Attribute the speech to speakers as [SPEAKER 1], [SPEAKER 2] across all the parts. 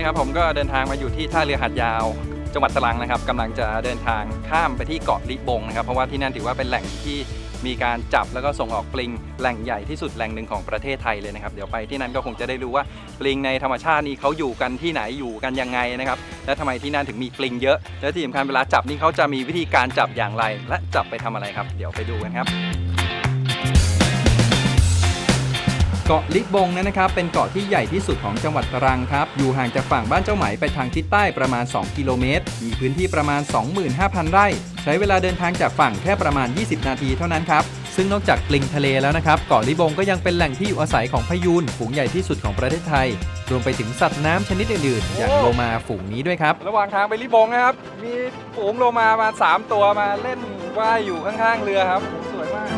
[SPEAKER 1] นี้ครับผมก็เดินทางมาอยู่ที่ท่าเรือหาดยาวจังหวัดตรังนะครับกำลังจะเดินทางข้ามไปที่เกาะลิบงนะครับเพราะว่าที่นั่นถือว่าเป็นแหล่งที่มีการจับแล้วก็ส่งออกปลิงแหล่งใหญ่ที่สุดแหล่งหนึ่งของประเทศไทยเลยนะครับเดี๋ยวไปที่นั่นก็คงจะได้รู้ว่าปลิงในธรรมชาตินี้เขาอยู่กันที่ไหนอยู่กันยังไงนะครับและทำไมที่นั่นถึงมีปลิงเยอะและที่สำคัญเวลาจับนี่เขาจะมีวิธีการจับอย่างไรและจับไปทำอะไรครับเดี๋ยวไปดูกันครับเกาะลิบงนั้นนะครับเป็นเกาะที่ใหญ่ที่สุดของจังหวัดตรังครับอยู่ห่างจากฝั่งบ้านเจ้าไหมไปทางทิศใต้ประมาณ2กิโลเมตรมีพื้นที่ประมาณ 25,000 ไร่ใช้เวลาเดินทางจากฝั่งแค่ประมาณ20นาทีเท่านั้นครับซึ่งนอกจากปลิงทะเลแล้วนะครับเกาะลิบงก็ยังเป็นแหล่งที่อยู่อาศัยของพยูนฝูงใหญ่ที่สุดของประเทศไทยรวมไปถึงสัตว์น้ำชนิดอื่นๆอย่างโลมาฝูงนี้ด้วยครับระหว่างทางไปลิบงนะครับมีฝูงโลมามา3ตัวมาเล่นว่ายอยู่ข้างๆเรือครับสวยมาก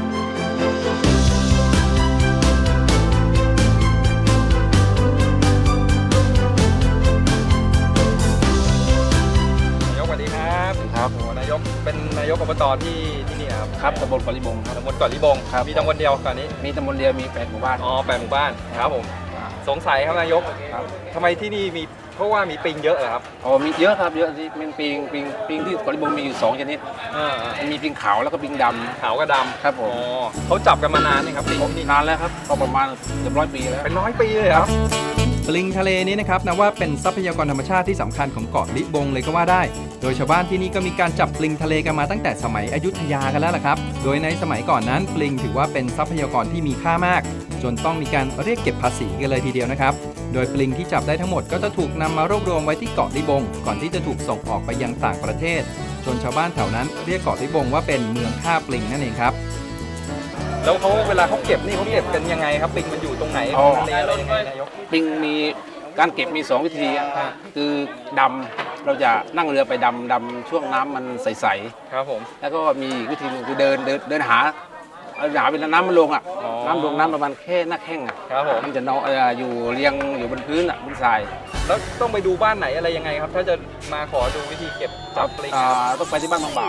[SPEAKER 1] ครับนายกเป็นนายกอบตที่นี่ครับ
[SPEAKER 2] ครับตำบลเกาะลิบงครับ
[SPEAKER 1] ตำบลเกาะลิบงมีตำบลเดียวก่อนนี้
[SPEAKER 2] มีตำบลเดียวมี8หมู่บ้าน
[SPEAKER 1] 8หมู่บ้านครับผมสงสัยครับนายกทำไมที่นี่มีเพราะว่ามีปิงเยอะเหรอครับ
[SPEAKER 2] มีเยอะครับเยอะที่เป็นปิงที่เกาะลิบงมีอยู่2ชนิดมันมีปิงขาวแล้วก็ปิงดำ
[SPEAKER 1] ขาวกับดำ
[SPEAKER 2] ครับผม
[SPEAKER 1] เขาจับกันมานานนี่ครับปิง
[SPEAKER 2] นานแล้วครับก็ประมาณเกือบ100 ปีแล้ว
[SPEAKER 1] เป็น100 ปีเลยครับปลิงทะเลนี้นะครับนับว่าเป็นทรัพยากรธรรมชาติที่สำคัญของเกาะลิบงเลยก็ว่าได้โดยชาวบ้านที่นี่ก็มีการจับปลิงทะเลกันมาตั้งแต่สมัยอยุธยากันแล้วล่ะครับโดยในสมัยก่อนนั้นปลิงถือว่าเป็นทรัพยากรที่มีค่ามากจนต้องมีการเรียกเก็บภาษีกันเลยทีเดียวนะครับโดยปลิงที่จับได้ทั้งหมดก็จะถูกนำมารวบรวมไว้ที่เกาะลิบงก่อนที่จะถูกส่งออกไปยังต่างประเทศจนชาวบ้านแถวนั้นเรียกเกาะลิบงว่าเป็นเมืองฆ่าปลิงนั่นเองครับแล้วเขาเวลาเขาเก็บนี่เขาเก็บกันยังไงครับปลิงมันอยู่ตรงไหนทะเลอะไรยังไงนายก
[SPEAKER 2] ปลิงมีการเก็บมี2วิธีคือดำเราจะนั่งเรือไปดำช่วงน้ำมันใส
[SPEAKER 1] ๆครับผม
[SPEAKER 2] แล้วก็มีวิธีนึงคือเดินหาเวลาน้ำมันลงน้ำลงน้ำประมาณแค่หน้าแข้ง
[SPEAKER 1] ครับผม
[SPEAKER 2] มันจะนอนอยู่เรียงอยู่บนพื้นบนทราย
[SPEAKER 1] แล้วต้องไปดูบ้านไหนอะไรยังไงครับถ้าจะมาขอดูวิธีเก็บจับปลิง
[SPEAKER 2] ต้องไปที่บ้านบางบ่าว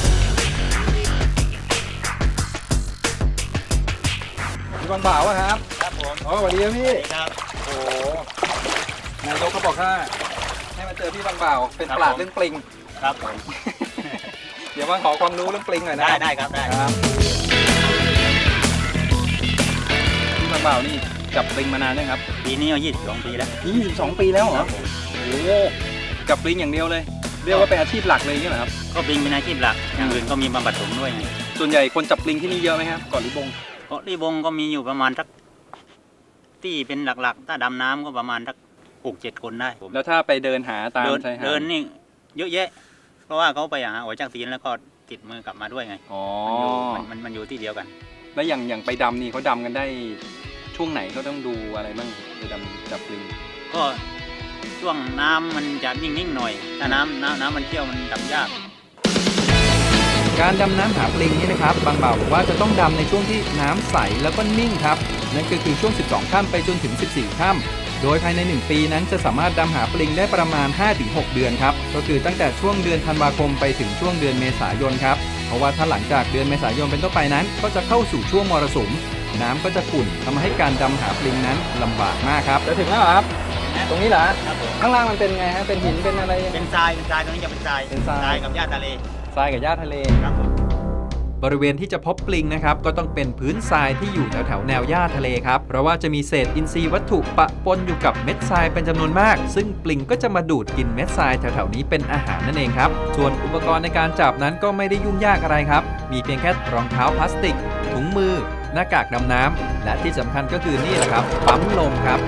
[SPEAKER 1] ที่บางบ่าวครับ
[SPEAKER 3] ครับผม
[SPEAKER 1] สวัสดีครับพี่
[SPEAKER 3] ครับ
[SPEAKER 1] โอ้นายกเขาบอกว่าให้มาเจอพี่บางบ่าวเป็นปราชญ์เรื่องปลิง
[SPEAKER 3] ครับผม
[SPEAKER 1] เดี๋ยวมาขอความรู้เรื่องปลิงหน่อยนะ
[SPEAKER 3] ได้ครับได้
[SPEAKER 1] ครับพี่บางบ่าวนี่จับปลิงมานานยังครับ
[SPEAKER 3] ปีนี้22 ปีแล้ว
[SPEAKER 1] 22 ปีแล้วเหรอโอ้จับปลิงอย่างเดียวเลยเรียกว่าเป็นอาชีพหลักเลยใช่ไหมครับ
[SPEAKER 3] ก็ปลิงเป็นอาชีพหลักอย่างอื่นก็มีบำบัดผมด้วยไง
[SPEAKER 1] ส่วนใหญ่คนจับปลิงที่นี่เยอะไหมครับเกาะลิบง
[SPEAKER 3] ก็มีอยู่ประมาณสักที่เป็นหลักๆถ้าดำน้ำก็ประมาณสัก6-7 คนได้
[SPEAKER 1] แล้วถ้าไปเดินหาตามชายหาด
[SPEAKER 3] เดินนี่เยอะแยะเพราะว่าเขาไปหาหอยจากตีนแล้วก็ติดมือกลับมาด้วยไงมันอยู่ที่เดียวกัน
[SPEAKER 1] แล้วอย่างไปดำนี่เขาดำกันได้ช่วงไหนเขาต้องดูอะไรบ้างไปดำจับปลิง
[SPEAKER 3] ก็ช่วงน้ำมันจะนิ่งๆหน่อยถ้าน้ำมันเชี่ยวมันดำยาก
[SPEAKER 1] การดำน้ำหาปลิงนี่นะครับบางบ่าวบอกว่าจะต้องดำในช่วงที่น้ำใสแล้วก็นิ่งครับนั่นก็คือช่วง12 ค่ำไปจนถึง14 ค่ำโดยภายใน1 ปีนั้นจะสามารถดำหาปลิงได้ประมาณ 5-6 เดือนครับก็คือตั้งแต่ช่วงเดือนธันวาคมไปถึงช่วงเดือนเมษายนครับเพราะว่าถ้าหลังจากเดือนเมษายนเป็นต้นไปนั้นก็จะเข้าสู่ช่วงมรสุมน้ำก็จะขุ่นทำให้การดำหาปลิงนั้นลำบากมากครับจะถึงแล้วครับตรงนี้เหรอข้างล่างมันเป็นไงฮะเป็นหินเป็นอะไร
[SPEAKER 3] เป็นทรายตรงนี้จะเป็นทรายกับหญ้าทะเล
[SPEAKER 1] ทรายกับหญ้าทะเล
[SPEAKER 3] ครับ
[SPEAKER 1] บริเวณที่จะพบปลิงนะครับก็ต้องเป็นพื้นทรายที่อยู่แถวแนวหญ้าทะเลครับเพราะว่าจะมีเศษอินทรีย์วัตถุปะปนอยู่กับเม็ดทรายเป็นจำนวนมากซึ่งปลิงก็จะมาดูดกินเม็ดทรายแถวๆนี้เป็นอาหารนั่นเองครับส่วนอุปกรณ์ในการจับนั้นก็ไม่ได้ยุ่งยากอะไรครับมีเพียงแค่รองเท้าพลาสติกถุงมือหน้ากากดำน้ำและที่สำคัญก็คือนี่แหละครับปั๊มลมครับ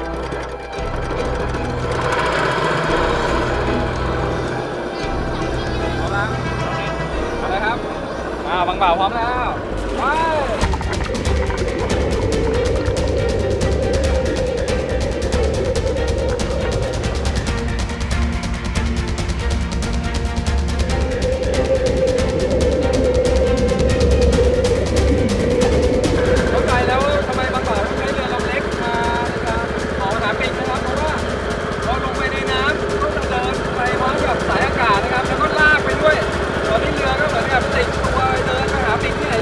[SPEAKER 1] บางบ่าวพร้อมแล้วไปเข้าใจแล้วทำไมบางบ่าวต้องใช้เรือลำเล็กมาขอหาปลิงนะครับเพราะว่าพอลงไปในน้ำก็จะเดินไปพร้อมกับสายอากาศนะครับแล้วก็ลากไปด้วยตอนนี้เรือก็เหมือนกับติดตัวเดินไปหาปลิงที่ไหน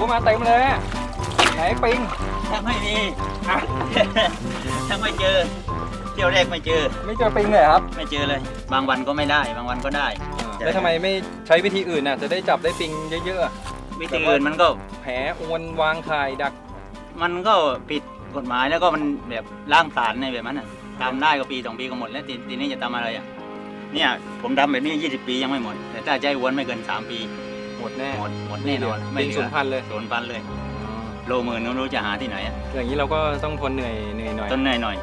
[SPEAKER 1] มาเต็มเลยอะไหนปิง
[SPEAKER 3] ถ้าไม่มี
[SPEAKER 1] อ่ะ
[SPEAKER 3] ถ้าไม่เจอเที่ยวแรกไม่เจอ
[SPEAKER 1] ไม่เจอปิงเลยครับ
[SPEAKER 3] ไม่เจอเลย บางวันก็ไม่ได้ บางวันก็ได้
[SPEAKER 1] แล้วทำไมไม่ใช้วิธีอื่นน่ะจะได้จับได้ปิงเยอะๆอะ
[SPEAKER 3] วิธีอื่นมันก็
[SPEAKER 1] แผลอวนวางไข่ดัก
[SPEAKER 3] มันก็ผิดกฎหมายแล้วก็มันแบบล้างผลาญในแบบนั้นน่ะทำได้ก็ปี2 ปีก็หมดแล้วทีนี้จะทำอะไรอ่ะเนี่ยผมทำแบบนี้20 ปียังไม่หมด แต่ถ้าใจอ้วนไม่เกิน3 ปี
[SPEAKER 1] หมดแน่
[SPEAKER 3] หมดแน่นอน
[SPEAKER 1] ปิงสูญพันธุ์เลย
[SPEAKER 3] สูญพันธุ์เลยโลหมื่นไม่รู้จะหาที่ไหนอ่ะ
[SPEAKER 1] อย่างนี้เราก็ต้องทนเหนื่อยหน่อย
[SPEAKER 3] ต้นเหนื่อยหน่อย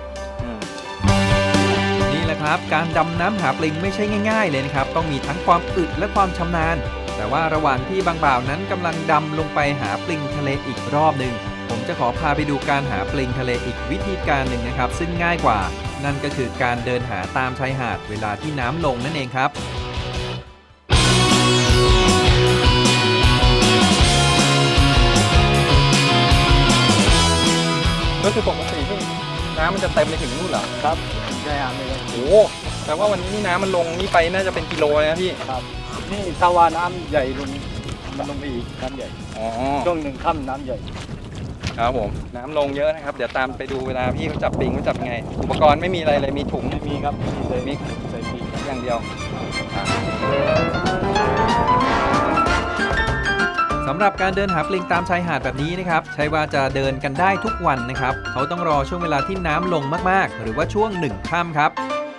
[SPEAKER 1] นี่แหละครับการดำน้ำหาปลิงไม่ใช่ง่ายๆเลยนะครับต้องมีทั้งความอึดและความชำนาญแต่ว่าระหว่างที่บางบ่าวนั้นกำลังดำลงไปหาปลิงทะเลอีกรอบหนึ่งผมจะขอพาไปดูการหาปลิงทะเลอีกวิธีการหนึ่งนะครับซึ่งง่ายกว่า นั่นก็คือการเดินหาตามชายหาดเวลาที่น้ำลงนั่นเองครับก็คือปกติที่น้ำมันจะเต็มไปถึงนู่นเหรอ
[SPEAKER 4] ครับใช่ครับเลย
[SPEAKER 1] โอ้แต่ว่าวันนี้นี่น้ำมันลงนี่ไปน่าจะเป็นกิโลเลยนะพี่
[SPEAKER 4] ครับนี่ถ้าว่าน้ำใหญ่ลงมันลงไปอีกน้ำใหญ่
[SPEAKER 1] อ๋อ
[SPEAKER 4] ช่วงหนึ่งค่ำน้ำใหญ่
[SPEAKER 1] ครับผมน้ำลงเยอะนะครับเดี๋ยวตามไปดูเวลาพี่เขาจับปิงเขาจับไง อุปกรณ์ไม่มีอะไรเลยมีถุง
[SPEAKER 4] ไม่มีครับมีใส่
[SPEAKER 1] มี
[SPEAKER 4] ใส่ปีก
[SPEAKER 1] อย่างเดียวสำหรับการเดินหาปลิงตามชายหาดแบบนี้นะครับใช่ว่าจะเดินกันได้ทุกวันนะครับเขาต้องรอช่วงเวลาที่น้ำลงมากๆ หรือว่าช่วง1 ค่ำครับ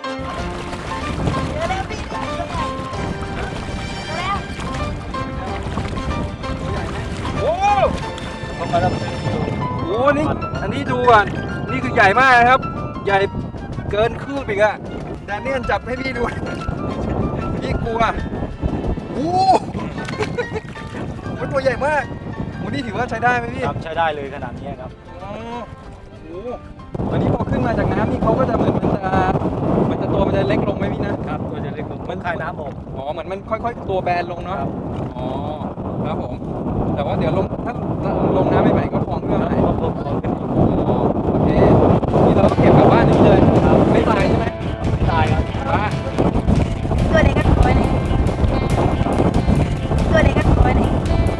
[SPEAKER 1] โอ้โห
[SPEAKER 4] เข้ามาแล้ว
[SPEAKER 1] นี่อันนี้ดูก่อนนี่คือใหญ่มากนะครับ ใหญ่เกินคืบอีกอะแดเนียลจับให้พี่ดู พี่กลัวโอ้โหตัวใหญ่มากโอ้นี่ถือว่าใช้ได้ไหมพี่
[SPEAKER 4] ครับใช้ได้เลยขนาดนี้ครับ
[SPEAKER 1] อ๋อโอ้โหวันนี้พอขึ้นมาจากน้ำนี่เขาก็จะเหมือนมันจะตัวมันจะเล็กลงไหมพี่นะครับ
[SPEAKER 4] ตัวจะเล็กลงมันคายน้ำออก
[SPEAKER 1] อ๋อเหมือนมันค่อยๆตัวแบนลงเนาะ
[SPEAKER 4] ครับ
[SPEAKER 1] อ๋อครับผมแต่ว่าเดี๋ยวลงถ้าลงน้ำใหม่ๆก็พองขึ้นมาใหม่
[SPEAKER 4] พอพอขึ้นอีก
[SPEAKER 1] อ๋อโอเคนี่เราก็เก็บกลับบ้านอย่างนี้เลยไม่ตายใช่ไหม
[SPEAKER 4] ไม่ตายครับ
[SPEAKER 1] บ้า
[SPEAKER 5] ตัวเล็กก็ตัวเล็กตัวเล็กก็ตัวเล็ก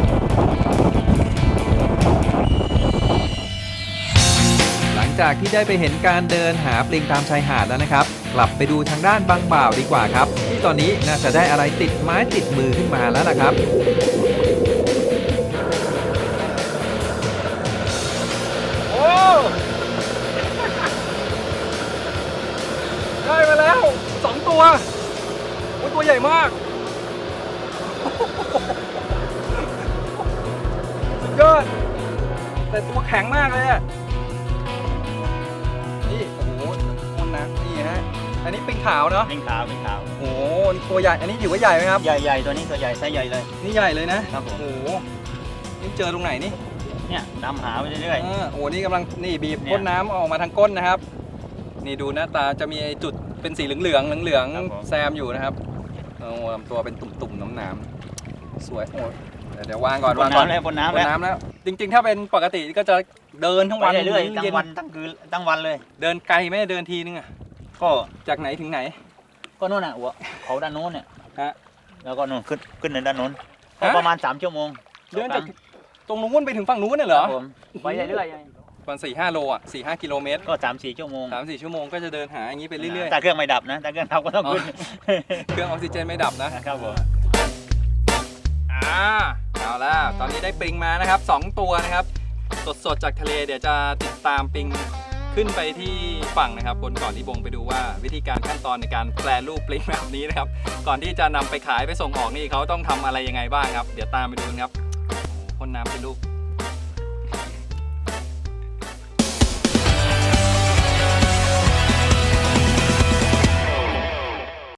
[SPEAKER 1] หลังจากที่ได้ไปเห็นการเดินหาปลิงตามชายหาดแล้วนะครับ กลับไปดูทางด้านบางบ่าวดีกว่าครับ ที่ตอนนี้น่าจะได้อะไรติดไม้ติดมือขึ้นมาแล้วล่ะครับ โอ้ได้มาแล้ว2 ตัวโอ้ตัวใหญ่มากสุดยอดแต่ตัวแข็งมากเลยอะนี่โอ้โหคนนะนี่ฮะอันนี้ปิงขาวเนาะ
[SPEAKER 3] เป็นขาวเป็นขาว
[SPEAKER 1] โอ้โหนี่ตัวใหญ่อันนี้ถือว่าใหญ่ไหมครับ
[SPEAKER 3] ใหญ่ๆตัวนี้ตัวใหญ่ไซส์ใหญ่เลย
[SPEAKER 1] นี่ใหญ่เลยนะครับ
[SPEAKER 3] ผม
[SPEAKER 1] โอ้โหนี่เจอตรงไหนนี่
[SPEAKER 3] เนี่ยดำหาไปเรื่อย
[SPEAKER 1] โอ้โหนี่กำลังนี่บีบ
[SPEAKER 3] เนี่ย
[SPEAKER 1] พ่นน้ำออกมาทางก้นนะครับ นี่ดูหน้าตาจะมีไอ้จุดเป็นสีเหลือง
[SPEAKER 3] ครับผม
[SPEAKER 1] แซมอยู่นะครับโอ้โหลำตัวเป็นตุ่มๆน้ำๆสวยโอ้ยเดี๋ยววางก่อน
[SPEAKER 3] บ
[SPEAKER 1] วาน งก่อน
[SPEAKER 3] น้ำแล้วบนน้ำ
[SPEAKER 1] บ
[SPEAKER 3] แล้ว
[SPEAKER 1] นน้ำแล้ว จริงๆ ถ้าเป็นปกติก็จะเดินทั้ง
[SPEAKER 3] ไป
[SPEAKER 1] วัน
[SPEAKER 3] เรื่อยๆทั้
[SPEAKER 1] เย็
[SPEAKER 3] งวันทั้งคืนทั้งวันเลย
[SPEAKER 1] เดินไกลไหมเดินทีนึงอะ
[SPEAKER 3] ก็
[SPEAKER 1] จากไหนถึงไหน
[SPEAKER 3] ก็นู่นน่ะหัวเขาด้านโน้นเนี่ย
[SPEAKER 1] ฮะ
[SPEAKER 3] แล้วก็นู่นขึ้นในด้านโน้นก็
[SPEAKER 1] ฮะ
[SPEAKER 3] ประมาณ3 ชั่วโมง
[SPEAKER 1] เดินจากตรงนู้นไปถึงฝั่งนู้นน่ะเหรอ
[SPEAKER 3] ครับผมไปเรื่อย
[SPEAKER 1] ประมาณ4-5 โลอ่ะ4-5 กิโลเมตร
[SPEAKER 3] ๆก็3-4 ชั่วโมง
[SPEAKER 1] 3-4 ชั่วโมงก็จะเดินหาอย่างนี้ไปเรื่อย
[SPEAKER 3] แต่เครื่องไม่ดับนะแต่เครื่องดับก็ต้องขึ้น
[SPEAKER 1] ๆ เครื่องออกซิเจนไม่ดับนะ
[SPEAKER 3] ครับผม
[SPEAKER 1] เอาล่ะตอนนี้ได้ปลิงมานะครับ2 ตัวนะครับสดๆจากทะเลเดี๋ยวจะติดตามปลิงขึ้นไปที่ฝั่งนะครับบนเกาะลิบงไปดูว่าวิธีการขั้นตอนในการแปรรูปปลิงแบบนี้นะครับก่อนที่จะนำไปขายไปส่งออกนี่เขาต้องทำอะไรยังไงบ้างครับเดี๋ยวตามไปดูกันครับพ่นน้ำเป็นลูก